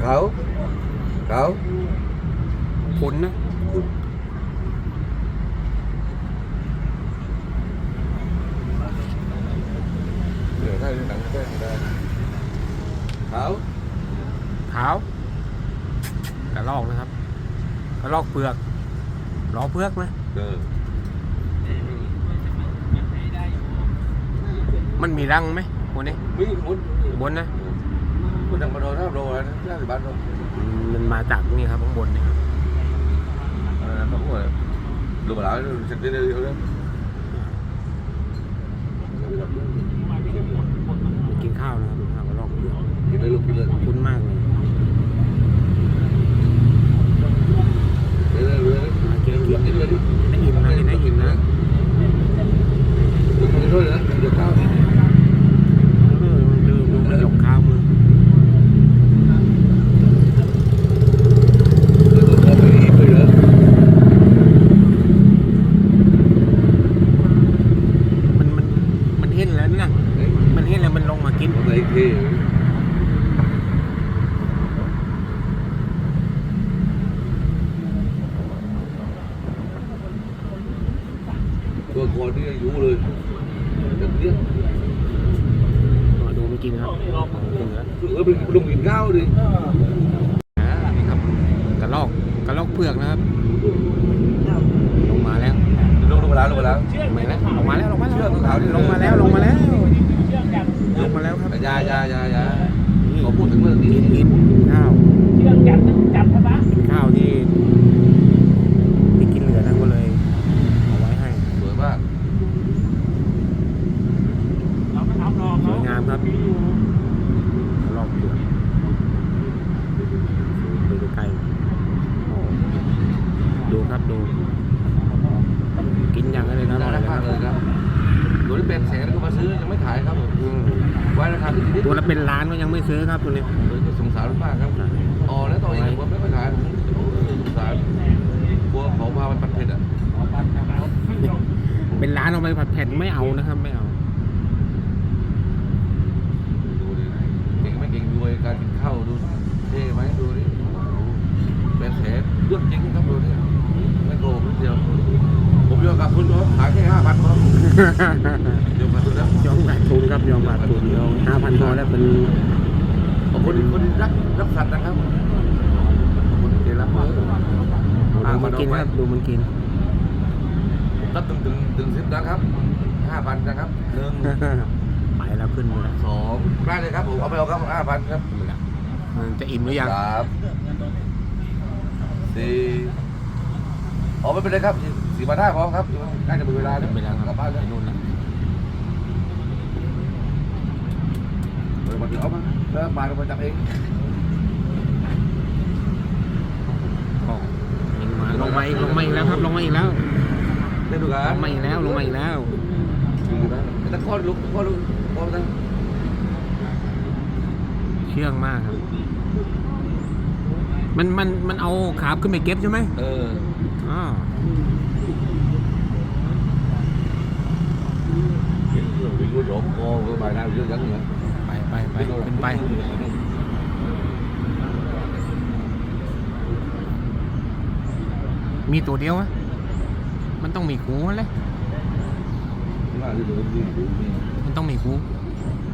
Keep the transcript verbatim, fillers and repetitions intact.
เขาเขาผลนะเดี๋ยวถ้าหนังแก้ได้เขาขาวกระลอกนะครับกระลอกเปลือกล้อเปลือกนะเออมันมีรังไหมคนนี้มีบนบนนะบนทางมาโดนท่าโดนนะท่าสิบบ้านโดนมันมาจากนี่ครับข้างบนนี่ครับอะไรนะเขาบอกดูมาแล้วฉันได้เดียวเลยกินข้าวนะครับข้าวกระลอกเปลือกกินเลยลูกกินเลยคุ้นมากเลยเลยเลยเลยกินเลยกินเลยได้อิ่มนะกินได้อิ่มนะกินด้วยนะเดี๋ยวข้าวดูดูดูมันหยกข้าวมือมันมันมันเห็นแล้วนะมันเห็นแล้วมันลงมากินอะไรที่ตัวก่อนนี่อายุเลยแบบนี้ดูมันกินครับกินแล้วเออเป็นลงกินข้าวดิอ่านี่ครับกระลอกกระลอกเปลือกนะครับลงมาแล้วลงลงมาแล้วลงมาแล้วลงมาแล้วลงมาแล้วลงมาแล้วลงมาแล้วลงมาแล้วลงมาแล้วครับยายายายาขอพูดถึงเรื่องนี้กินกินข้าวกินข้าวที่ที่กินเหลือนั่นก็เลยเอาไว้ให้สวยมากสวยงามครับรอบเปลือกดูใกล้ดูครับดูกินอย่างไรเลยนะอร่อยเลยครับตัวนี้เป็นแสนก็มาซื้อยังไม่ขายครับผมไว้ราคาที่ตัวละเป็นล้านก็ยังไม่ซื้อครับตัวนี้สงสารมากครับอ๋อแล้วต่ออีกผมไม่ค่อยขายผมสงสารกลัวเขาพามันปัดเผ็ดอ่ะเป็นร้านเอาไปผัดเผ็ดไม่เอานะครับไม่เอาดูดิเก่งไม่เก่งด้วยการกินข้าวดูเท่ไหมดูดิเป็นแสนเรื่องจริงครับดูดิไม่โกงนิดเดียวผมยอมกับคุณขายแค่ห้าพันพอยอมกับคุณนะยอมขาดทุนครับยอมขาดทุนยอมห้าพันพอแล้วเป็นคนคนรักรักสัตว์นะครับคนที่รักมากดูมันกินครับดูมันกินตัดตึงตึงตึงสิบนะครับห้าพันนะครับหนึ่งไปแล้วขึ้นมาแล้วสองได้เลยครับผมเอาไปเอาครับห้าพันครับมันจะอิ่มหรือยังสามสี่อ๋อไม่เป็นไรครับสี่พันห้าพร้อมครับใกล้จะเป็นเวลาแล้วเวลากลับบ้านไปนู่นแล้วเดี๋ยวมาถึงเอามาแล้วมาเราไปจับเองลงมาอีกลงมาอีกแล้วครับลงมาอีกแล้วได้ดูกันลงมาอีกแล้วลงมาอีกแล้วตะก้อนลุกตะก้อนลุกก้อนตั้งเชื่องมากครับมันมันมันเอาขาขึ้นไปเก็บใช่ไหมเอออ๋อวิ่งรถหลงโอ้ก็ไปได้เยอะจังเลยไปไปไปเป็นไปมีตัวเดียวอะมันต้องมีคูเลยมันต้องมีคู